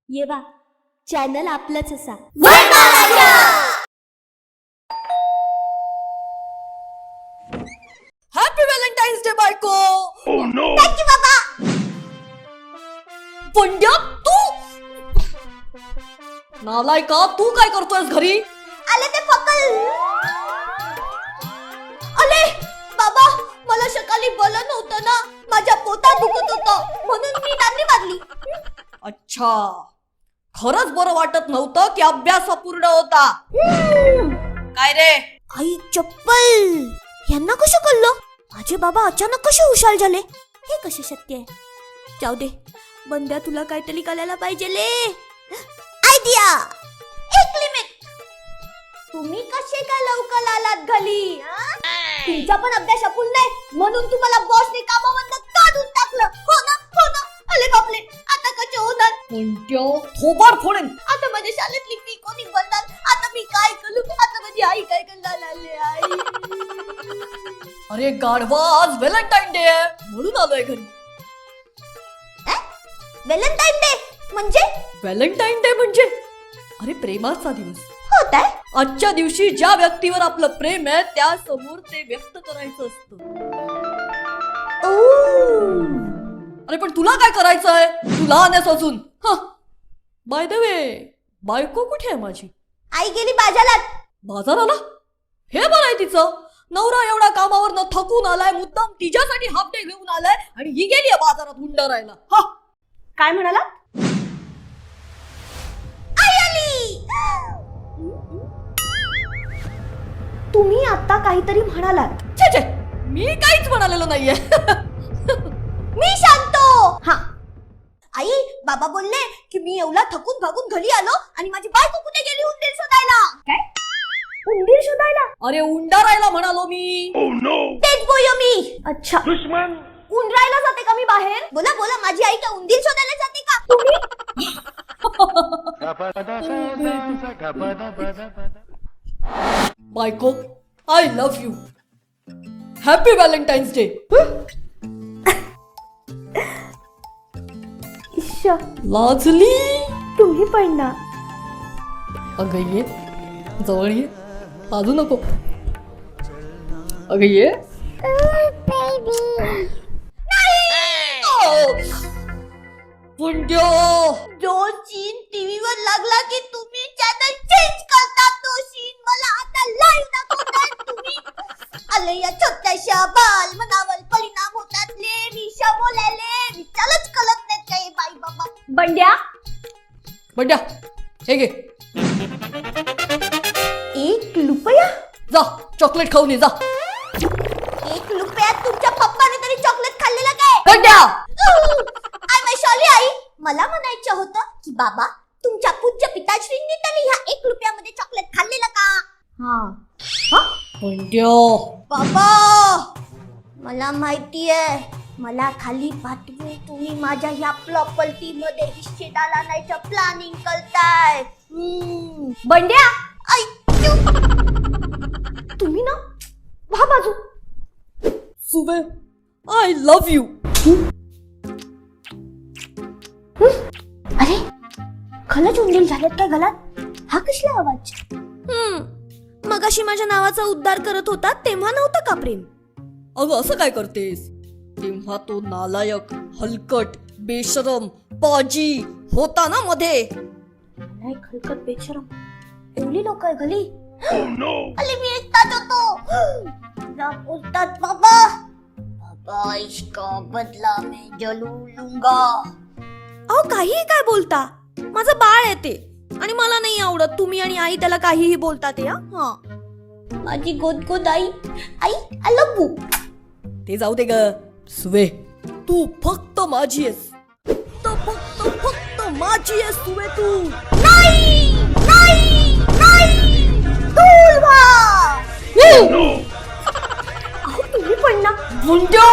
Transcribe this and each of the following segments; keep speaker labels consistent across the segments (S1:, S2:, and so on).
S1: ये वा चॅनल आपलंच असा.
S2: हॅपी व्हॅलेंटाईन्स डे बायको.
S1: थँक्यू बाबा.
S2: पंड्या तू नालायका, तू काय करतोयस घरी?
S1: आले ते फकल. अले बाबा, मला सकाळी बलं नव्हतं ना, माझ्या पोटात दुखत होतं म्हणून मी नांदी मारली.
S2: अच्छा, खरंच बरं वाटत नव्हतं की अभ्यास अपूर्ण होता? काय रे?
S1: आई चप्पल, यांना कसं कळलं? माझे बाबा अचानक कसे हुशार झाले? हे कसे शक्य आहे? जाऊ दे बंद्या, तुला काहीतरी करायला पाहिजे ले. आयडिया. एक लिमिट. तुम्ही कसे काय लवकर आलात घरी? तुमचा पण अभ्यास अपूर्ण आहे म्हणून तुम्हाला बॉसने कामावरून काढून टाकलं. हो ना, हो ना. अरे बापले, आता कसे होणार?
S2: पंड्या थोबाड फोडेन.
S1: आता माझ्या शाळेतली फी कोणी भरणार? आता मी काय करू? आता माझी आई काय करणार? आले आई.
S2: अरे गाढवा, आज व्हॅलेंटाईन डे आहे म्हणून आलोय घरी.
S1: व्हॅलेंटाईन डे म्हणजे?
S2: व्हॅलेंटाईन डे म्हणजे अरे प्रेमाचा दिवस.
S1: होत आहे.
S2: आजच्या दिवशी ज्या व्यक्तीवर आपलं प्रेम आहे त्या समोर ते व्यक्त करायचं असतं. अरे पण तुला काय करायचंय? तू लहान आहेस अजून. बाय द वे, बायको कुठे आहे माझी?
S1: आई गेली बाजारात.
S2: बाजाराला? हे बरं आहे तिचं. नवरा एवढा कामावरनं थकून आलाय, मुद्दाम तिच्यासाठी हाफ डे घेऊन आलाय आणि ही गेली आहे बाजारात हुंडरायला.
S1: काय म्हणाला? आई आली. तुम्ही आता काहीतरी म्हणालात.
S2: छे छे, मी काहीच म्हणालेलो नाहीये.
S1: मी शांतो. हा आई, बाबा बोलले की मी एवढा थकून भागून घरी आलो आणि माझी बायको कुठे गेली उंदीर शोधायला. काय? उंदीर शोधायला?
S2: अरे उंडरायला म्हणालो मी.
S1: तेच बोललो मी. अच्छा, उंदरायला जाते का मी बाहेर? बोला बोला, माझी आई का उंदीर शोधायला जाते का? तुम्ही
S2: बायको, I love you. Happy Valentine's day. लाजली.
S1: तुम्ही पण ना.
S2: अगं ये जवळ ये, लाजू नको. अगं ये. पुंड्यो,
S1: जो सीन टीव्हीवर लागला की तुम्ही चॅनल चेंज करता, तो सीन मला आता लाईव्ह दाखवताय तुम्ही. आले या छोट्याशा बाल मनावर परिणाम होतात ले. विषा बोलायले विचारच कळत नाहीत काही बाई बाबा. बंड्या,
S2: बंड्या हे घे.
S1: 1 रुपया?
S2: जा चॉकलेट खाऊन ये जा.
S1: 1 रुपयात तुमच्या पप्पाने तरी चॉकलेट खाल्लेलं काय?
S2: बंड्या,
S1: आय माय सॉरी आई. मला म्हणायचं होतं की बाबा, तुमच्या पूज्य पिताश्रींनी तरी ह्या 1 रुपयामध्ये चॉकलेट खाल्लेलं का? हा.
S2: बंड्या.
S1: बाबा, मला माहितीये, मला खाली पाठवून तुम्ही माझ्या ह्या प्रॉपर्टी मध्ये हिस्सेदार आणायचं प्लॅनिंग करताय. बंड्या, आई तुम्ही ना व्हा बाजू.
S2: सुबे, आय लव्ह यू.
S1: अरे खलच उंदीर झालेत काय गलात? हा कसला आवाज? मगाशी माझ्या नावाचा उद्धार करत होता तेव्हा नव्हतं का प्रेम?
S2: अगं असं काय करतेस? तेव्हा तो नालायक, हलकट, बेशरम, पाजी होता ना मध्ये.
S1: नालायक, हलकट, बेशरम एवढी लोक आहे घरी? अरे मी एकटाच होतो. ना बोलतात बाबा. बाबा, इसका बदला मैं जरूर लूंगा. अहो काहीही काय बोलता? माझं बाळ आहे ते आणि मला नाही आवडत तुम्ही आणि आई त्याला काहीही बोलता ते. हा माझी गोद आई. आई आय लव्ह यू.
S2: ते जाऊ दे ग. सुवे, तू फक्त माझी आहेस. फक्त माझी आहेस सुवे तू.
S1: नाही नाही नाही, दूर व्हा. अहो तुम्ही पण ना.
S2: मुंड्या,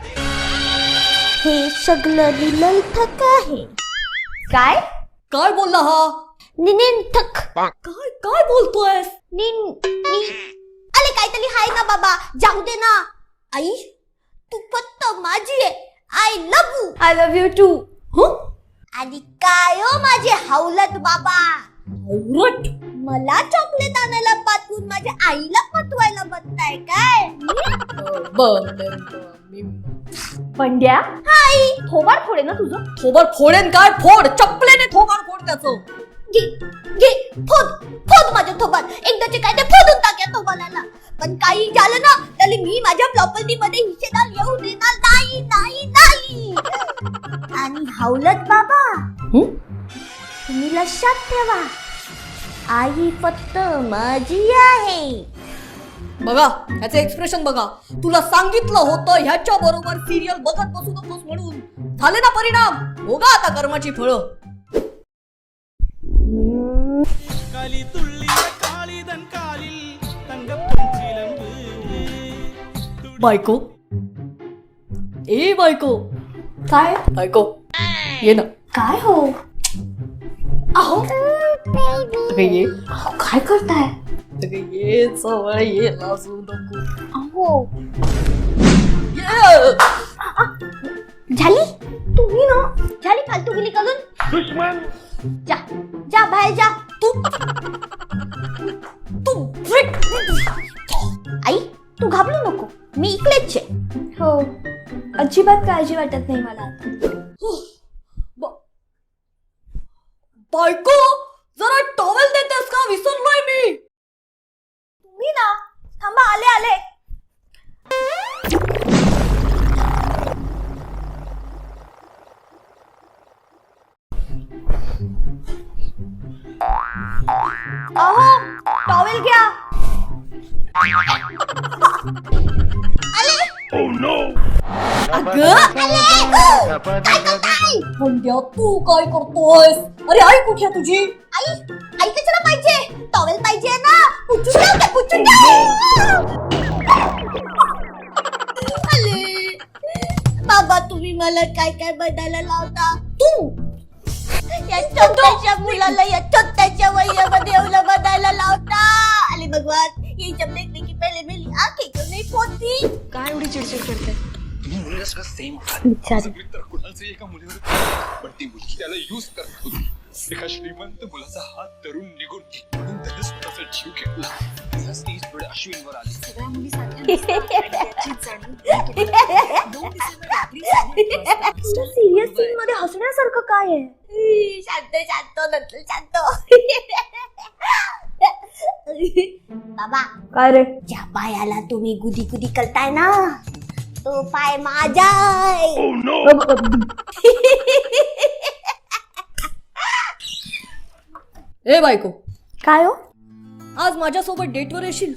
S1: हे सगळं निरर्थक आहे. काय?
S2: काय बोलला हा?
S1: निरर्थक.
S2: काय काय बोलतोयस?
S1: अरे काहीतरी हाय ना बाबा, जाऊ दे ना. आई, तू फक्त माझी आहे. I love you. I love you too. आणि काय हो माझे हावलत बाबा.
S2: औरट.
S1: मला चॉकलेट आणायला पाठवून माझ्या आईला पटवायला बघताय काय?
S2: पंड्या
S1: आई
S2: थोबाड फोडे ना तुझं. थोबाड फोडेन काय? फोड चपलेने थोबाड फोड त्याचं.
S1: घे घे फोड फोड माझ्या थोबाड. एकदाचे काय ते फोडून टाक्या थोबाडाला. पण काही झालं ना तरी मी माझ्या प्रॉपर्टी मध्ये हिस्सेदार येऊ देणार नाही नाही नाही. आणि हावलत बाबा तुम्ही लक्षात ठेवा, आई फक्त माझी आहे.
S2: बघा ह्याचे एक्सप्रेशन बघा. तुला सांगितलं होतं ह्याच्या बरोबर सिरियल बघत बसू नकोस म्हणून. झाले ना परिणाम. बघा आता कर्माची फळं.
S3: களி துள்ளிய காளிதன் காலில் தங்கப்பொன் சிலம்பு.
S2: बायको ए बायको.
S1: काय
S2: बायको ये ना.
S1: काय हो?
S2: अहो अगं ये.
S1: काय करताय?
S2: अगं ये जवळ ये. लाजू नको.
S1: अहो
S2: ये.
S1: झाली तुम्ही ना झाली फालतू गिली करून.
S3: दुश्मन
S1: जा जा बाहेर जा.
S2: तू
S1: आई तू घाबरू नको, मी इकडेच आहे. हो अजिबात काळजी वाटत नाही मला.
S2: बायको जरा टॉवेल देतेस का? विसरलोय मी.
S1: तुम्ही ना थांबा आले आले. अहो टॉवेल घ्या. आले
S3: Oh no!
S2: पंड्या तू काय करतोयस? अरे आई कुठे आहे तुझी?
S1: आई आई कशाला पाहिजे? टॉवेल पाहिजे ना. पुचून द्या ते, पुचून द्या. आले बाबा तुम्ही मला काय काय बदलायला लावता?
S2: तू
S1: या छोट्याशा मुलाला या छोट्याशा वयामध्ये एवढं बदलायला लावता. अरे भगवान ये जब देखने की पहले मेरी आंखें क्यों नहीं फोड़ती?
S4: काय एवढी चिडचिड करते?
S5: तुम्ही मुलगा सगळं सेम मित्र कुणाचे एका मुलीवर पण ती मुलगी त्याला यूज करत होती. एका श्रीमंत मुलाचा हात धरून निघून म्हणून त्याने स्वतःचा जीव घेतला. या स्टेजपुढे अश्विनवर आली.
S4: सगळ्या मुली सारख्या नसतात आणि त्याचीच जाणीव दोन दिवसांमध्ये आपली
S1: सिरियस सीन मध्ये हसण्यासारखं काय आहे? शांत शांत नंतर शांत. बाबा
S2: काय रे?
S1: ज्या पायाला तुम्ही गुदी गुदी करताय ना तो पाय माझा आहे.
S3: Oh no!
S2: ए बायको
S1: काय हो?
S2: आज माझ्यासोबत डेटवर येशील?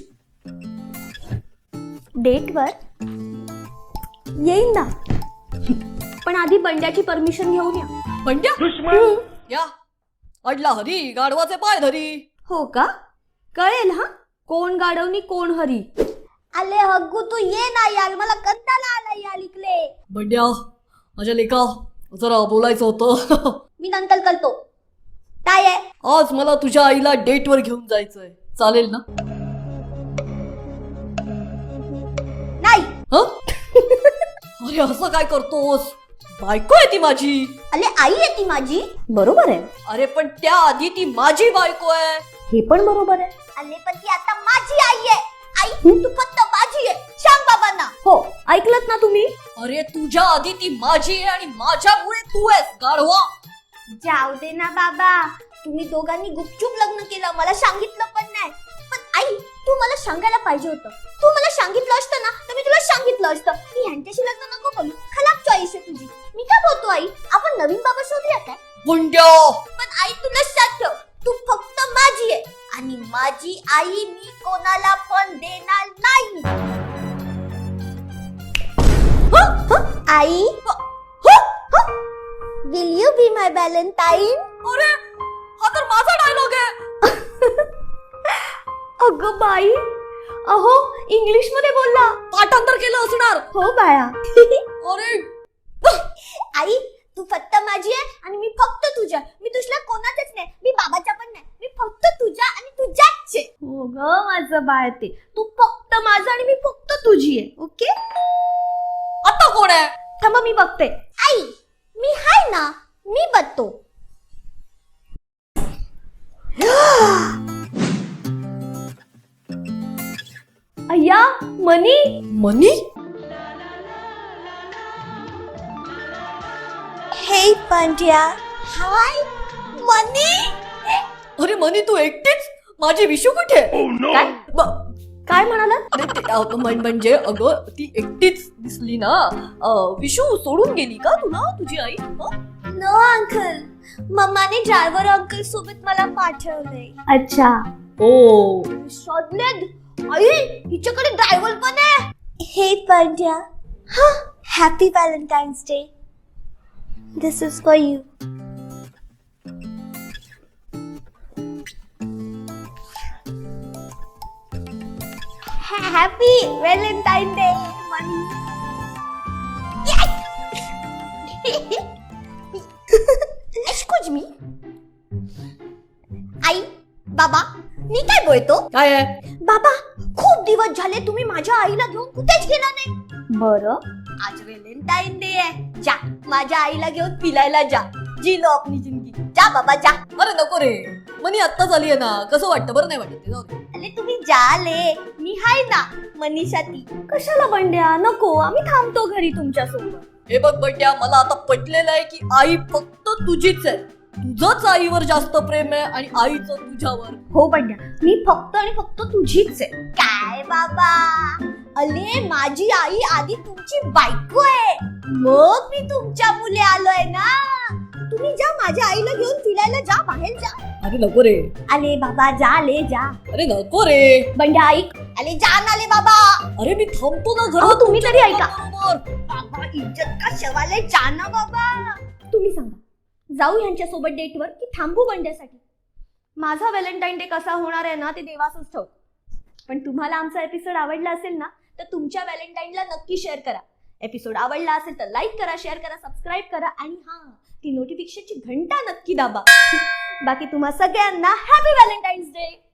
S1: डेटवर येईन ना, पण आधी बंड्याची परमिशन घेऊन या.
S2: पंड्या
S3: दुश्मन
S2: या. अडला हरी गाढवाचे पाय धरी.
S1: हो का? कळेल हा कोण गाडवणी कोण हरी. आले हग्गू तू ये ना यार, मला कंटाळा आला यार इकडे.
S2: बंड्या माझ्या लेका जरा बोलायचं होतं.
S1: मी नंतर करतो. काय आहे?
S2: आज मला तुझ्या आईला डेटवर घेऊन जायचंय. चालेल ना?
S1: नाही.
S2: हं? अरे असं काय करतोस? बायको आहे ती माझी.
S1: अरे आई आहे ती माझी. बरोबर आहे.
S2: अरे पण त्या आधी ती माझी बायको आहे.
S1: हे पण बरोबर आहे. अरे पण ती आता माझी आई आहे. आई तू फक्त माझी आहे. सांग बाबांना. हो ऐकलत ना तुम्ही?
S2: अरे तुझ्या आधी ती माझी आहे आणि माझ्यामुळे तू आहेस गाढवा.
S1: जाऊ दे ना बाबा, तुम्ही दोघांनी गुपचूप लग्न केलं, मला सांगितलं पण नाही. पण आई तू मला सांगायला पाहिजे होतं. तू मला सांगितलं असतं ना तर मी तुला सांगितलं असतं की ह्यांच्याशी लग्न नको करू, खराब चॉईस आहे तुझी. मी काय बोलतो आई, आपण नवीन बाबा शोधूया काय?
S2: बंड्या
S1: पण आई तू लक्षात ठेव, तू फक्त माझी आहे आणि माझी आई मी कोणाला पण देणार नाही. आई will you be my Valentine?
S2: अरे हा तर माझा डायलॉग आहे.
S1: अगं बाई, अहो इंग्लिश मध्ये बोलला.
S2: पाठांतर केलं असणार.
S1: हो बाळा.
S2: अरे
S1: आई तू फक्त माझी आहे आणि मी फक्त तुझ्या. मी दुसऱ्या कोणाचंच नाही, मी बाबाच्या पण नाही. मी फक्त तुझ्या आणि तुझ्याच आहे. हो ग माझं बाळ, ते तू फक्त माझं आणि मी फक्त तुझी आहे. ओके
S2: आता कोण आहे?
S1: थांबा मी बघते. आई मी हाय ना, मी बघतो. भैया मनी
S2: मनी?
S1: हे पांड्या हाय मनी.
S2: अरे मनी तू एकटीच? माझी विशू कुठे?
S1: काय काय म्हणाला?
S2: अरे म्हणजे अगं ती एकटीच दिसली ना. विशू सोडून गेली का तुला तुझी आई?
S1: नो अंकल, मम्माने ड्रायव्हर अंकल सोबत मला पाठवलंय. अच्छा.
S2: ओ
S1: शोधलेत आई हिच्याकडे ड्रायव्हर पण आहे. हे पांड्या हा happy Valentine's day. This is for you. Happy Valentine day Mani. Excuse me. आई बाबा मी काय बोलतो?
S2: काय आहे?
S1: बाबा खूप दिवस झाले तुम्ही माझ्या आईला घेऊन कुठेच गेला नाही. बरं आज व्हॅलेंटाईन डे आहे. जा माझ्या आईला घेऊन फिरायला जा. जी लो आपली जिंदगी. जा बाबा जा.
S2: अरे नको रे, मनी आत्ताच आली आहे ना, कसं वाटतं? बरं नाही वाटत ते, जाऊ दे.
S1: अरे तुम्ही जाले मी हाय ना मनीषाती. कशाला बंड्या नको, आम्ही थांबतो घरी तुमच्या सोबत.
S2: हे बघ बड्या, मला आता पटलेलं आहे की आई फक्त तुझीच आहे. तुझंच आईवर जास्त प्रेम आहे आणि आईचं तुझ्यावर.
S1: हो बंड्या मी फक्त आणि फक्त तुझीच आहे. काय बाबा अले माझी आई आधी तुमची बायको आहे, मग मी तुमच्या मुले आलोय ना. तुम्ही जा माझ्या आईला घेऊन फिरायला जा, बाहेर जा.
S2: अरे नको रे.
S1: आले बाबा जा ले जा.
S2: अरे नको रे.
S1: बंड्या ऐक. आले जा ना ले बाबा.
S2: अरे मी थांबतो ना
S1: अहो,
S2: घरात.
S1: तुम्ही तरी ऐका.
S2: बरोबर.
S1: बाबा इज्जत का शवाले जा ना बाबा. तुम्ही सांगा जाऊ यांच्या सोबत डेटवर की थांबू बंड्यासाठी? माझा व्हॅलेंटाईन डे कसा होणार आहे ना ते देवासच ठाऊक. पण तुम्हाला आमचा एपिसोड आवडला असेल ना तर तुमच्या व्हॅलेंटाईनला नक्की शेअर करा. एपिसोड आवडला असेल तर लाईक करा, शेअर करा, सबस्क्राईब करा आणि हा ती नोटिफिकेशनची घंटा नक्की दाबा. बाकी तुम्हा सगळ्यांना हॅपी व्हॅलेंटाईन्स डे.